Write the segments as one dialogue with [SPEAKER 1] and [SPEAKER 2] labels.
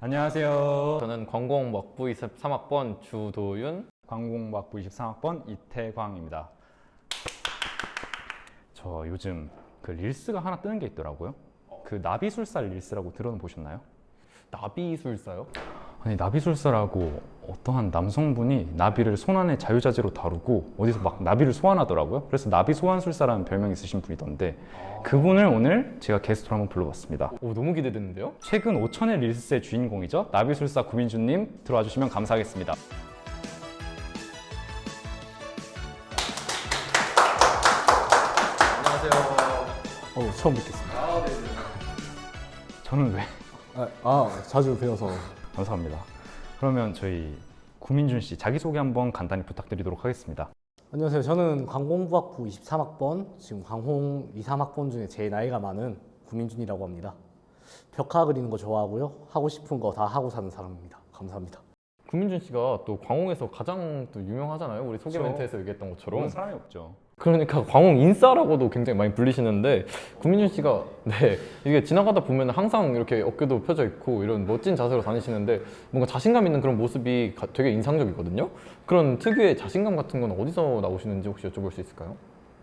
[SPEAKER 1] 안녕하세요.
[SPEAKER 2] 저는 관공학부 23학번 주도윤.
[SPEAKER 1] 관공학부 23학번 이태광입니다. 저 요즘 그 릴스가 하나 뜨는 게 있더라고요. 그 나비술사 릴스라고 들어보셨나요?
[SPEAKER 2] 나비술사요?
[SPEAKER 1] 아니, 나비술사라고 어떠한 남성분이 나비를 손안에 자유자재로 다루고 어디서 막 나비를 소환하더라고요. 그래서 나비소환술사라는 별명이 있으신 분이던데 그분을 오늘 제가 게스트로 한번 불러봤습니다.
[SPEAKER 2] 오, 너무 기대되는데요?
[SPEAKER 1] 최근 5천의 릴스의 주인공이죠. 나비술사 구민주님 들어와 주시면 감사하겠습니다.
[SPEAKER 2] 안녕하세요.
[SPEAKER 3] 처음 뵙겠습니다.
[SPEAKER 1] 저는 왜?
[SPEAKER 3] 자주 뵈어서.
[SPEAKER 1] 감사합니다. 그러면 저희 구민준 씨 자기소개 한번 간단히 부탁드리도록 하겠습니다.
[SPEAKER 3] 안녕하세요. 저는 관공부학부 23학번, 지금 관공 2, 3학번 중에 제일 나이가 많은 구민준이라고 합니다. 벽화 그리는 거 좋아하고요. 하고 싶은 거 다 하고 사는 사람입니다. 감사합니다.
[SPEAKER 2] 구민준 씨가 또 광홍에서 가장 또 유명하잖아요. 우리 소개
[SPEAKER 1] 그렇죠.
[SPEAKER 2] 멘트에서 얘기했던 것처럼.
[SPEAKER 1] 그런 사람이 없죠.
[SPEAKER 2] 그러니까 광홍 인싸라고도 굉장히 많이 불리시는데 구민준 씨가 이게 지나가다 보면 항상 이렇게 어깨도 펴져 있고 이런 멋진 자세로 다니시는데 뭔가 자신감 있는 그런 모습이 되게 인상적이거든요. 그런 특유의 자신감 같은 건 어디서 나오시는지 혹시 여쭤볼 수 있을까요?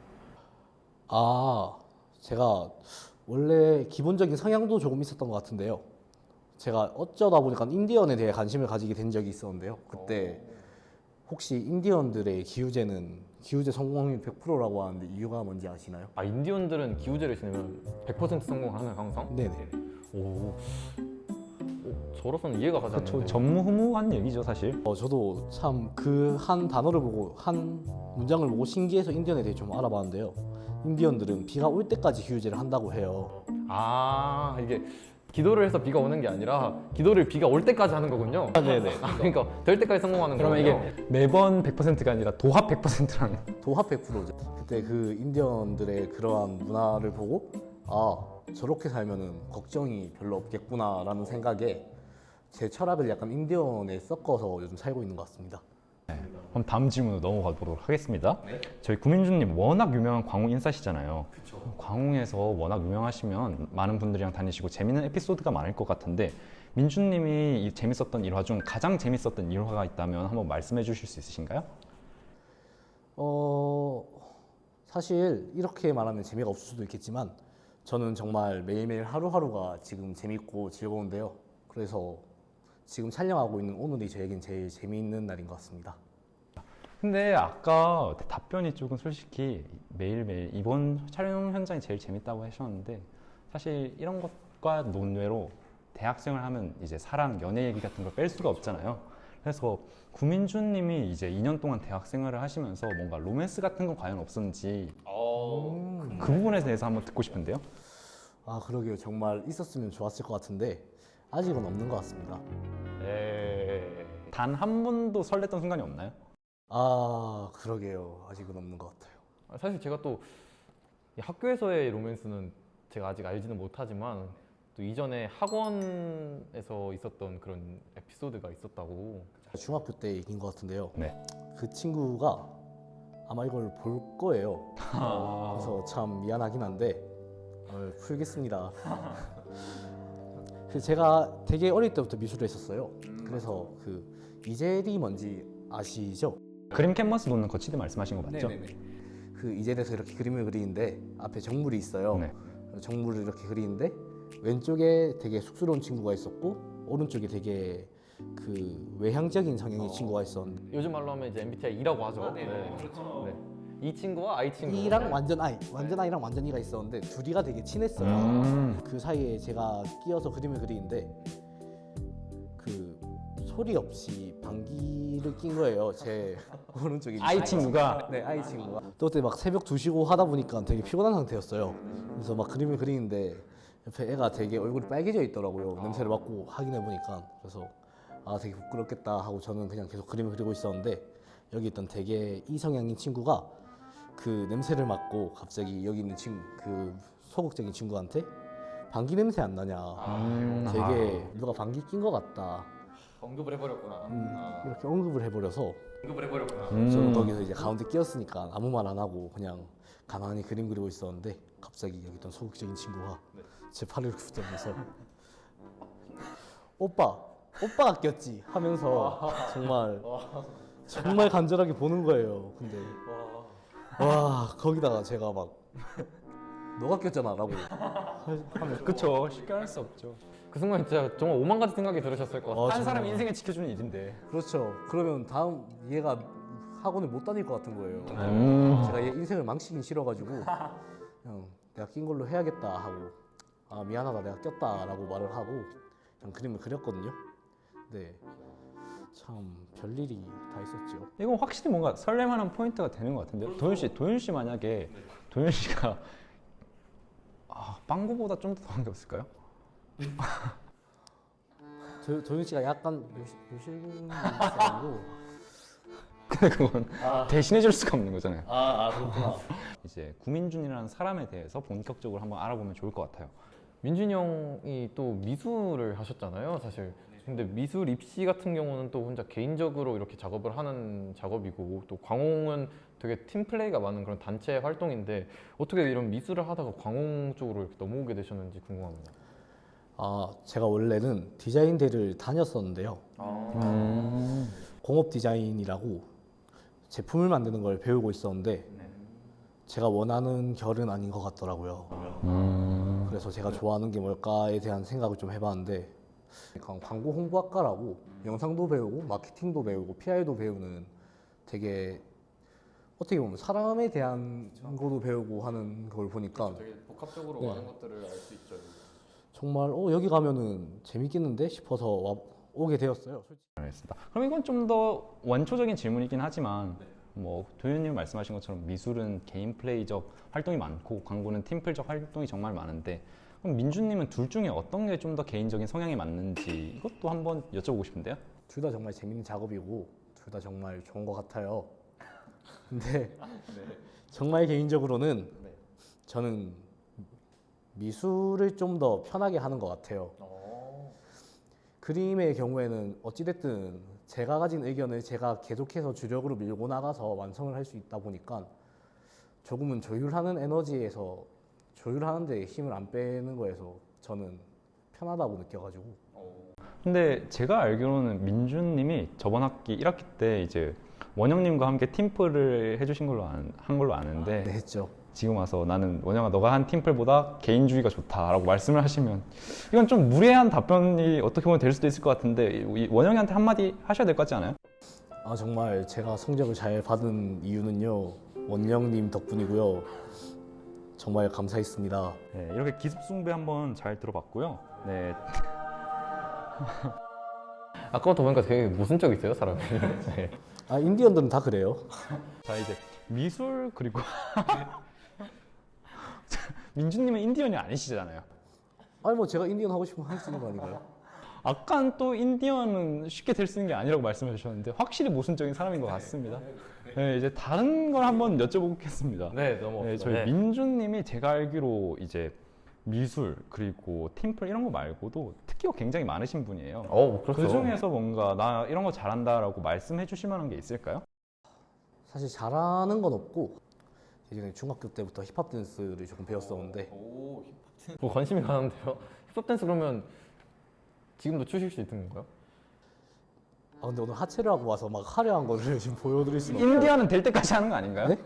[SPEAKER 3] 제가 원래 기본적인 성향도 조금 있었던 것 같은데요. 제가 어쩌다 보니까 인디언에 대해 관심을 가지게 된 적이 있었는데요. 그때 혹시 인디언들의 기우제 성공률 100%라고 하는데 이유가 뭔지 아시나요?
[SPEAKER 2] 아, 인디언들은 기우제를 지내면 100% 성공하는 항상?
[SPEAKER 3] 네네.
[SPEAKER 2] 오, 저로서는 이해가 가지
[SPEAKER 1] 그렇죠.
[SPEAKER 2] 않는데.
[SPEAKER 1] 전무후무한 얘기죠, 사실.
[SPEAKER 3] 저도 참 그 한 단어를 보고 한 문장을 보고 신기해서 인디언에 대해 좀 알아봤는데요. 인디언들은 비가 올 때까지 기우제를 한다고 해요.
[SPEAKER 2] 아, 이게 기도를 해서 비가 오는 게 아니라 기도를 비가 올 때까지 하는 거군요.
[SPEAKER 1] 네네.
[SPEAKER 2] 그러니까 될 때까지 성공하는
[SPEAKER 1] 그러면
[SPEAKER 2] 거군요.
[SPEAKER 1] 이게 매번 100%가 아니라 도합 100%라는.
[SPEAKER 3] 도합 100%죠. 그때 그 인디언들의 그러한 문화를 보고 저렇게 살면은 걱정이 별로 없겠구나라는 생각에 제 철학을 약간 인디언에 섞어서 요즘 살고 있는 것 같습니다.
[SPEAKER 1] 그럼 다음 질문으로 넘어가 보도록 하겠습니다. 저희 구민준님 워낙 유명한 광웅 인싸시잖아요. 광웅에서 워낙 유명하시면 많은 분들이랑 다니시고 재밌는 에피소드가 많을 것 같은데 민준님이 이 재밌었던 일화 중 가장 재밌었던 일화가 있다면 한번 말씀해 주실 수 있으신가요?
[SPEAKER 3] 사실 이렇게 말하면 재미가 없을 수도 있겠지만 저는 정말 매일매일 하루하루가 지금 재밌고 즐거운데요. 그래서 지금 촬영하고 있는 오늘이 저에겐 제일 재미있는 날인 것 같습니다.
[SPEAKER 1] 근데 아까 답변이 조금 솔직히 매일매일 이번 촬영 현장이 제일 재밌다고 하셨는데 사실 이런 것과 논외로 대학생을 하면 이제 사랑, 연애 얘기 같은 걸 뺄 수가 없잖아요. 그래서 구민준 님이 이제 2년 동안 대학 생활을 하시면서 뭔가 로맨스 같은 건 과연 없었는지 그 부분에 대해서 한번 듣고 싶은데요.
[SPEAKER 3] 그러게요. 정말 있었으면 좋았을 것 같은데 아직은 없는 것 같습니다.
[SPEAKER 1] 단 한 번도 설렜던 순간이 없나요?
[SPEAKER 3] 그러게요. 아직은 없는 것 같아요.
[SPEAKER 2] 사실 제가 또 이 학교에서의 로맨스는 제가 아직 알지는 못하지만 또 이전에 학원에서 있었던 그런 에피소드가 있었다고.
[SPEAKER 3] 중학교 때 얘기인 것 같은데요.
[SPEAKER 1] 네.
[SPEAKER 3] 그 친구가 아마 이걸 볼 거예요. 그래서 참 미안하긴 한데 풀겠습니다. 제가 되게 어릴 때부터 미술을 했었어요. 그래서 그 이젤이 뭔지 아시죠?
[SPEAKER 1] 그림 캔버스 놓는 거치대 말씀하신 거 맞죠?
[SPEAKER 3] 그 이젤에서 이렇게 그림을 그리는데 앞에 정물이 있어요.
[SPEAKER 1] 네.
[SPEAKER 3] 정물을 이렇게 그리는데 왼쪽에 되게 쑥스러운 친구가 있었고 오른쪽에 되게 그 외향적인 성향의 친구가 있었는데
[SPEAKER 2] 요즘 말로 하면 이제 MBTI E라고 하죠. 그렇죠. 이 친구와 I 친구.
[SPEAKER 3] E랑 완전 I랑 완전 E가 있었는데 둘이가 되게 친했어요. 그 사이에 제가 끼어서 그림을 그리는데 그 소리 없이 방귀를 낀 거예요. 제 오른쪽에
[SPEAKER 1] I 친구가?
[SPEAKER 3] 네, I 친구가. 또 그때 막 새벽 2시고 하다 보니까 되게 피곤한 상태였어요. 그래서 막 그림을 그리는데 옆에 애가 되게 얼굴이 빨개져 있더라고요. 냄새를 맡고 확인해 보니까. 그래서 되게 부끄럽겠다 하고 저는 그냥 계속 그림을 그리고 있었는데 여기 있던 되게 이성향인 친구가 그 냄새를 맡고 갑자기 여기 있는 그 소극적인 친구한테 방귀 냄새 안 나냐. 되게 누가 방귀 낀 것 같다.
[SPEAKER 2] 언급을 해버렸구나.
[SPEAKER 3] 이렇게 언급을 해버려서
[SPEAKER 2] 언급을
[SPEAKER 3] 저는 거기서 이제 가운데 끼었으니까 아무 말 안 하고 그냥 가만히 그림 그리고 있었는데 갑자기 여기 있던 소극적인 친구가 제 팔을 붙잡면서 오빠 오빠가 꼈지 하면서 정말 간절하게 보는 거예요. 근데 와 거기다가 제가 막 너가 꼈잖아라고 하면서
[SPEAKER 1] 그쵸. 쉽게 할 수 없죠.
[SPEAKER 2] 그 순간 진짜 정말 오만 가지 생각이 들으셨을 것 같아요.
[SPEAKER 1] 한 사람 인생을 지켜주는 일인데.
[SPEAKER 3] 그렇죠. 그러면 다음 얘가 학원을 못 다닐 것 같은 거예요. 제가 얘 인생을 망치긴 싫어가지고 그냥 내가 낀 걸로 해야겠다 하고 아 미안하다 내가 꼈다라고 말을 하고 그냥 그림을 그렸거든요. 네, 참 별일이 다 있었죠.
[SPEAKER 1] 이건 확실히 뭔가 설렘하는 포인트가 되는 것 같은데요. 도윤 씨 만약에 도윤 씨가 빵구보다 좀 더 더한 게 없을까요?
[SPEAKER 3] 도윤 씨가 약간 요실금 사람이고
[SPEAKER 1] 근데 그건 대신해줄 수가 없는 거잖아요.
[SPEAKER 3] 그렇구나.
[SPEAKER 1] 이제 구민준이라는 사람에 대해서 본격적으로 한번 알아보면 좋을 것 같아요.
[SPEAKER 2] 민준이 형이 또 미술을 하셨잖아요, 사실. 근데 미술 입시 같은 경우는 또 혼자 개인적으로 이렇게 작업을 하는 작업이고 또 광홍은 되게 팀플레이가 많은 그런 단체 활동인데 어떻게 이런 미술을 하다가 광홍 쪽으로 이렇게 넘어오게 되셨는지 궁금합니다.
[SPEAKER 3] 제가 원래는 디자인대를 다녔었는데요. 공업 디자인이라고 제품을 만드는 걸 배우고 있었는데 제가 원하는 결은 아닌 것 같더라고요. 그래서 제가 좋아하는 게 뭘까에 대한 생각을 좀 해봤는데 광고 홍보학과라고 영상도 배우고 마케팅도 배우고 PR도 배우는 되게 어떻게 보면 사람에 대한 거도 배우고 하는 걸 보니까
[SPEAKER 2] 되게 복합적으로
[SPEAKER 3] 네.
[SPEAKER 2] 많은 것들을 알 수 있죠.
[SPEAKER 3] 정말 여기 가면은 재밌겠는데 싶어서 오게 되었어요. 솔직히.
[SPEAKER 1] 알겠습니다. 그럼 이건 좀 더 원초적인 질문이긴 하지만 뭐 도윤님 말씀하신 것처럼 미술은 개인 플레이적 활동이 많고 광고는 팀플적 활동이 정말 많은데 그럼 민준님은 둘 중에 어떤 게 좀 더 개인적인 성향에 맞는지 이것도 한번 여쭤보고 싶은데요.
[SPEAKER 3] 둘 다 정말 재밌는 작업이고 둘 다 정말 좋은 것 같아요. 근데 정말 개인적으로는 저는 미술을 좀 더 편하게 하는 것 같아요. 그림의 경우에는 어찌됐든 제가 가진 의견을 제가 계속해서 주력으로 밀고 나가서 완성을 할 수 있다 보니까 조금은 조율하는 에너지에서 조율하는 데 힘을 안 빼는 거에서 저는 편하다고 느껴가지고.
[SPEAKER 1] 근데 제가 알기로는 민준님이 저번 학기 1학기 때 이제 원영님과 함께 팀플을 해주신 걸로 한 걸로 아는데
[SPEAKER 3] 네, 했죠.
[SPEAKER 1] 지금 와서 나는 원영아 너가 한 팀플보다 개인주의가 좋다라고 말씀을 하시면 이건 좀 무례한 답변이 어떻게 보면 될 수도 있을 것 같은데 이 원영이한테 한마디 하셔야 될 것 같지 않아요?
[SPEAKER 3] 정말 제가 성적을 잘 받은 이유는요 원영님 덕분이고요. 정말 감사했습니다.
[SPEAKER 1] 네, 이렇게 기습숭배 한번 잘 들어봤고요. 네,
[SPEAKER 2] 아까부터 보니까 되게 모순적이세요, 사람이. 네.
[SPEAKER 3] 인디언들은 다 그래요.
[SPEAKER 1] 자 이제 미술 그리고 민준님은 인디언이 아니시잖아요.
[SPEAKER 3] 뭐 제가 인디언 하고 싶으면 할 수 있는 거 아닌가요?
[SPEAKER 1] 아까 또 인디언은 쉽게 될 수 있는 게 아니라고 말씀해 주셨는데 확실히 모순적인 사람인 것 같습니다. 네, 이제 다른 걸 한번 여쭤보겠습니다.
[SPEAKER 2] 네, 넘어갑시다.
[SPEAKER 1] 네, 저희
[SPEAKER 2] 네.
[SPEAKER 1] 민준님이 제가 알기로 이제 미술 그리고 팀플 이런 거 말고도 특기가 굉장히 많으신 분이에요.
[SPEAKER 2] 그렇죠.
[SPEAKER 1] 그 중에서 뭔가 나 이런 거 잘한다라고 말씀해 주실 만한 게 있을까요?
[SPEAKER 3] 사실 잘하는 건 없고 예전에 중학교 때부터 힙합 댄스를 조금 배웠었는데
[SPEAKER 2] 관심이 가는데요. 힙합 댄스 그러면 지금도 추실 수 있는 건가요?
[SPEAKER 3] 근데 오늘 하체를 하고 와서 막 화려한 거를 지금 보여드릴 수는 없어요.
[SPEAKER 1] 인디언은 될 때까지 하는 거 아닌가요?
[SPEAKER 3] 네?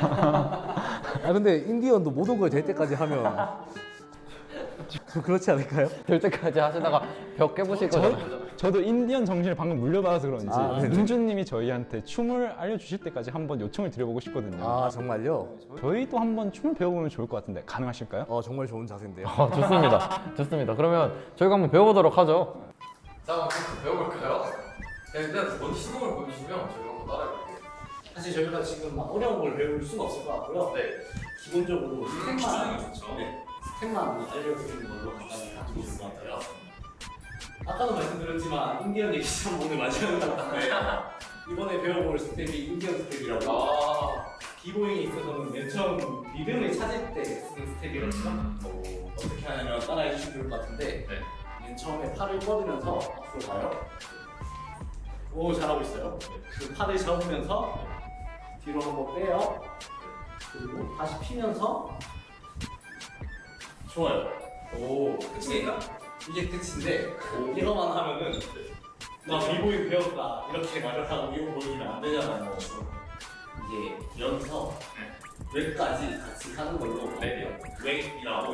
[SPEAKER 3] 근데 인디언도 모든 걸 될 때까지 하면 좀 그렇지 않을까요?
[SPEAKER 2] 될 때까지 하시다가 벽 깨보실 거잖아요.
[SPEAKER 1] 저도 인디언 정신을 방금 물려받아서 그런지
[SPEAKER 3] 네네.
[SPEAKER 1] 민준님이 저희한테 춤을 알려주실 때까지 한번 요청을 드려보고 싶거든요.
[SPEAKER 3] 정말요?
[SPEAKER 1] 저희도 한번 춤을 배워보면 좋을 것 같은데 가능하실까요?
[SPEAKER 3] 정말 좋은 자세인데요.
[SPEAKER 2] 좋습니다. 좋습니다. 그러면 저희가 한번 배워보도록 하죠. 자, 한번 배워볼까요? 일단 먼저 시동을 보여주시면 저희가 한번 따라해볼게요.
[SPEAKER 3] 사실 저희가 지금 막 어려운 걸 배울 수는 없을 것 같고요.
[SPEAKER 2] 네.
[SPEAKER 3] 기본적으로 스텝만,
[SPEAKER 2] 좋죠.
[SPEAKER 3] 스텝만 알려드리는 걸로 간단히 가지고 있을 것 같아요. 아까도 말씀드렸지만 인디언 얘기 참 오늘 마지막으로 같다. 이번에 배워볼 스텝이 인디언 스텝이라고. 비보잉에 있어서는 맨 처음 리듬을 찾을 때 쓰는 스텝이거든요. 어떻게 하냐면 따라해 주시면 좋을 것 같은데 맨 처음에 팔을 뻗으면서 앞으로 가요. 오, 잘하고 있어요. 그 팔을 접으면서 뒤로 한번 빼요. 그리고 다시 피면서 좋아요. 오, 끝입니까? 이게 끝인데 이거만 하면은 나 비보이 배웠다 이렇게 말을 하고 이거 보여주면 안 되잖아요. 이게 여기서 웹까지 같이 하는 걸로 웹이라고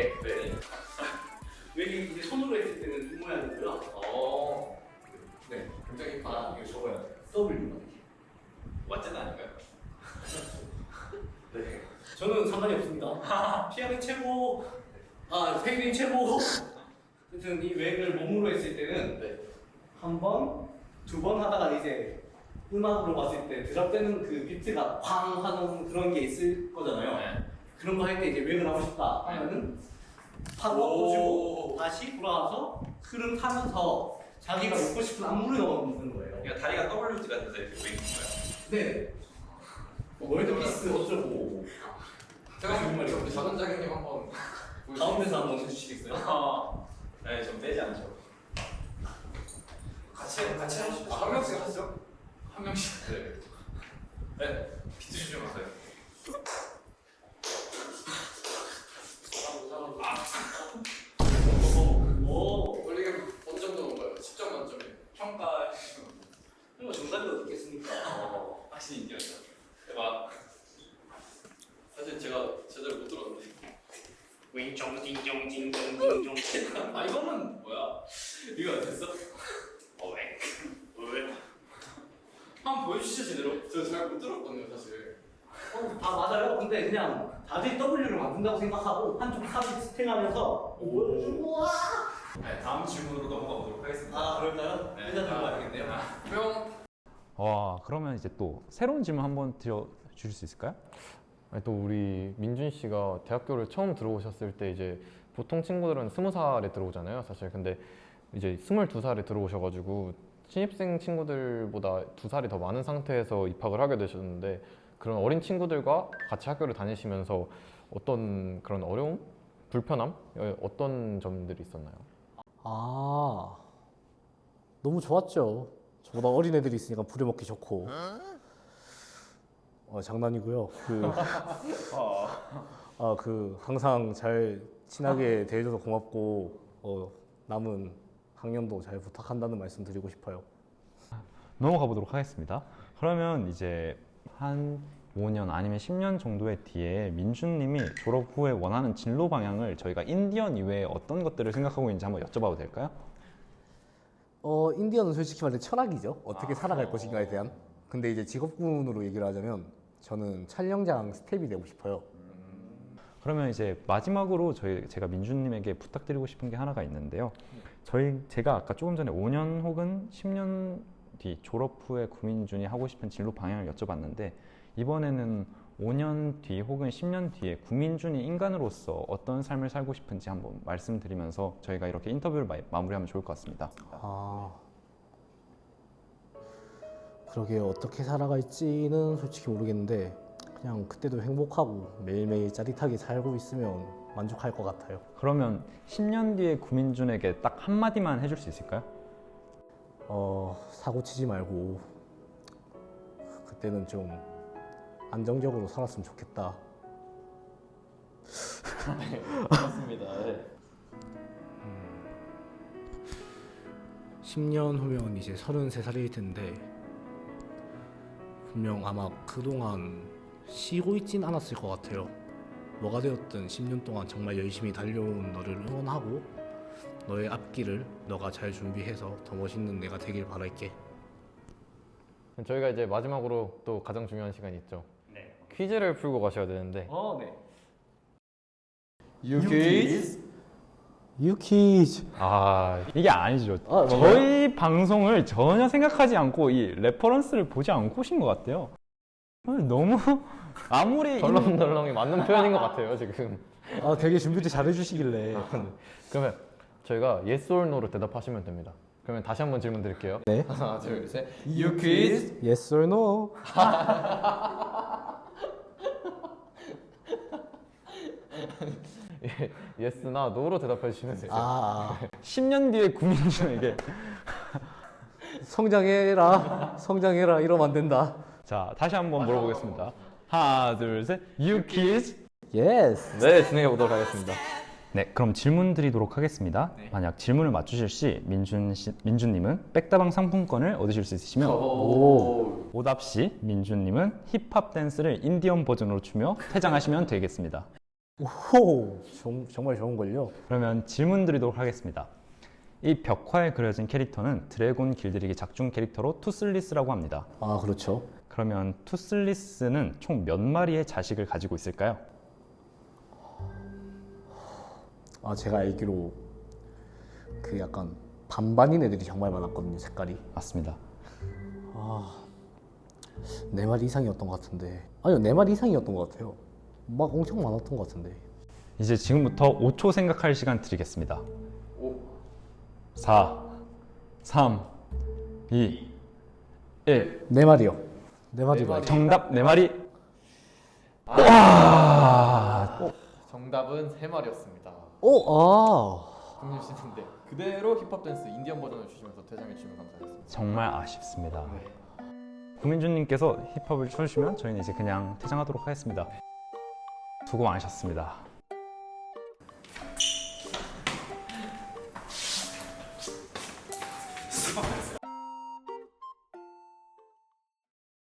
[SPEAKER 3] 웹이 이제 손으로 했을 때는 이 모양이고요.
[SPEAKER 2] 네, 굉장히
[SPEAKER 3] 아 이거 적어야 돼. W
[SPEAKER 2] 완전 아닌가요?
[SPEAKER 3] 네. 저는 상관이 없습니다. 피아노 최고, 페이링 최고. 하여튼 이 웹을 몸으로 했을 때는 한 번, 두 번 하다가 이제 음악으로 봤을 때 드랍 되는 그 비트가 쾅 하는 그런 게 있을 거잖아요. 그런 거 할 때 이제 웹을 하고 싶다 하면은 파고 넣어주고 다시 돌아와서 흐름 타면서 자기가 넣고 싶은 안무를 넣는 거예요.
[SPEAKER 4] 그러니까 다리가 WG가 돼서 이렇게 왜 있는 거야?
[SPEAKER 3] 네. 월드피스 어쩌고.
[SPEAKER 2] 제가 정말 우리 작은 자기님 한번
[SPEAKER 3] 가운데서 한번 해주시겠어요?
[SPEAKER 4] 네, 좀 빼지 않죠. 같이 하시죠.
[SPEAKER 2] 한 명씩 하시죠. 한 명씩.
[SPEAKER 4] 네, 비트 좀 하세요.
[SPEAKER 3] 오,
[SPEAKER 2] 원래 어느 정도 넘어요? 10점 만점에.
[SPEAKER 4] 평가
[SPEAKER 3] 이거 정답이 어떻겠습니까?
[SPEAKER 4] 하신 인디언이죠. 대박.
[SPEAKER 2] 사실 제가 제대로 못 들었는데.
[SPEAKER 3] 윙종징종징종징종.
[SPEAKER 4] 아 이거는 뭐야? 이거 안 됐어? 왜? 한번 보여주시죠 제대로.
[SPEAKER 2] 저 잘 못 들었거든요, 사실.
[SPEAKER 3] 다 맞아요. 근데 그냥 다들 W를 만든다고 생각하고 한쪽 탑을 스팅하면서 우와.
[SPEAKER 4] 네, 다음 질문으로 넘어가 보도록 하겠습니다.
[SPEAKER 3] 아 그럴까요?
[SPEAKER 4] 네,
[SPEAKER 3] 일단 들어가야겠네요.
[SPEAKER 2] 뿅.
[SPEAKER 1] 와, 그러면 이제 또 새로운 질문 한번 드려 주실 수 있을까요?
[SPEAKER 2] 아니, 또 우리 민준 씨가 대학교를 처음 들어오셨을 때 이제 보통 친구들은 20살에 들어오잖아요, 사실. 근데 이제 22살에 들어오셔가지고 신입생 친구들보다 2살이 더 많은 상태에서 입학을 하게 되셨는데 그런 어린 친구들과 같이 학교를 다니시면서 어떤 그런 어려움, 불편함, 어떤 점들이 있었나요?
[SPEAKER 3] 아 너무 좋았죠. 저보다 어린 애들이 있으니까 부려먹기 좋고. 장난이고요. 그 항상 잘 친하게 대해줘서 고맙고 남은 학년도 잘 부탁한다는 말씀 드리고 싶어요.
[SPEAKER 1] 넘어가 보도록 하겠습니다. 그러면 이제 한 5년 아니면 10년 정도의 뒤에 민준님이 졸업 후에 원하는 진로 방향을 저희가 인디언 이외에 어떤 것들을 생각하고 있는지 한번 여쭤봐도 될까요?
[SPEAKER 3] 인디언은 솔직히 말해 철학이죠. 어떻게 살아갈 것인가에 대한. 근데 이제 직업군으로 얘기를 하자면 저는 촬영장 스텝이 되고 싶어요.
[SPEAKER 1] 그러면 이제 마지막으로 제가 민준님에게 부탁드리고 싶은 게 하나가 있는데요. 제가 아까 조금 전에 5년 혹은 10년 뒤 졸업 후에 구민준이 하고 싶은 진로 방향을 여쭤봤는데 이번에는 5년 뒤 혹은 10년 뒤에 구민준이 인간으로서 어떤 삶을 살고 싶은지 한번 말씀드리면서 저희가 이렇게 인터뷰를 마무리하면 좋을 것 같습니다.
[SPEAKER 3] 그러게요. 어떻게 살아갈지는 솔직히 모르겠는데 그냥 그때도 행복하고 매일매일 짜릿하게 살고 있으면 만족할 것 같아요.
[SPEAKER 1] 그러면 10년 뒤에 구민준에게 딱 한마디만 해줄 수 있을까요?
[SPEAKER 3] 사고 치지 말고 그때는 좀 안정적으로 살았으면 좋겠다.
[SPEAKER 2] 맞습니다. 네.
[SPEAKER 3] 10년 후면 이제 33살일 텐데 분명 아마 그동안 쉬고 있진 않았을 것 같아요. 뭐가 되었든 10년 동안 정말 열심히 달려온 너를 응원하고 너의 앞길을 너가 잘 준비해서 더 멋있는 내가 되길 바랄게.
[SPEAKER 2] 저희가 이제 마지막으로 또 가장 중요한 시간이 있죠.
[SPEAKER 4] 네.
[SPEAKER 2] 퀴즈를 풀고 가셔야 되는데.
[SPEAKER 3] 네.
[SPEAKER 2] 유퀴즈.
[SPEAKER 3] 유키즈.
[SPEAKER 1] 이게 아니죠.
[SPEAKER 3] 뭔가요?
[SPEAKER 1] 저희 방송을 전혀 생각하지 않고 이 레퍼런스를 보지 않고 오신 것 같아요. 너무 아무리
[SPEAKER 2] 덜렁덜렁이 맞는 표현인 것 같아요, 지금.
[SPEAKER 3] 되게 준비를 잘 해주시길래.
[SPEAKER 2] 그러면 저희가 yes or no로 대답하시면 됩니다. 그러면 다시 한번 질문 드릴게요.
[SPEAKER 3] 네.
[SPEAKER 2] 하나, 둘, 셋. 유퀴즈.
[SPEAKER 3] Yes or no?
[SPEAKER 2] yes나 no로 대답해 주시면 돼요.
[SPEAKER 1] 10년 뒤에 구민준에게
[SPEAKER 3] 성장해라 이러면 안 된다.
[SPEAKER 1] 자, 다시 한번 물어보겠습니다. 하나, 둘, 셋. 유키즈.
[SPEAKER 3] Yes.
[SPEAKER 2] 네, 진행해 보도록 하겠습니다.
[SPEAKER 1] 네, 그럼 질문 드리도록 하겠습니다. 만약 질문을 맞추실 시 민준님은 백다방 상품권을 얻으실 수 있으시며 오답 시 민준님은 힙합 댄스를 인디언 버전으로 추며 퇴장하시면 되겠습니다.
[SPEAKER 3] 오, 정말 좋은 걸요.
[SPEAKER 1] 그러면 질문 드리도록 하겠습니다. 이 벽화에 그려진 캐릭터는 드래곤 길들이기 작중 캐릭터로 투슬리스라고 합니다.
[SPEAKER 3] 아, 그렇죠.
[SPEAKER 1] 그러면 투슬리스는 총 몇 마리의 자식을 가지고 있을까요?
[SPEAKER 3] 아, 제가 알기로 그 약간 반반인 애들이 정말 많았거든요, 색깔이.
[SPEAKER 1] 맞습니다.
[SPEAKER 3] 아, 4마리 이상이었던 것 같은데. 아니요, 4마리 이상이었던 것 같아요. 막 엄청 많았던 것 같은데.
[SPEAKER 1] 이제 지금부터 5초 생각할 시간 드리겠습니다. 4, 3, 2, 1.
[SPEAKER 3] 4마리요. 4마리로.
[SPEAKER 1] 정답 4마리.
[SPEAKER 2] 정답은 3마리였습니다.
[SPEAKER 3] 오,
[SPEAKER 2] 국민 씨는 네, 그대로 힙합 댄스 인디언 버전을 주시면서 퇴장해 주시면 감사하겠습니다.
[SPEAKER 1] 정말 아쉽습니다. 구민준님께서 힙합을 쳐주시면 저희는 이제 그냥 퇴장하도록 하겠습니다. 수고 많으셨습니다.
[SPEAKER 4] 수고하셨어요.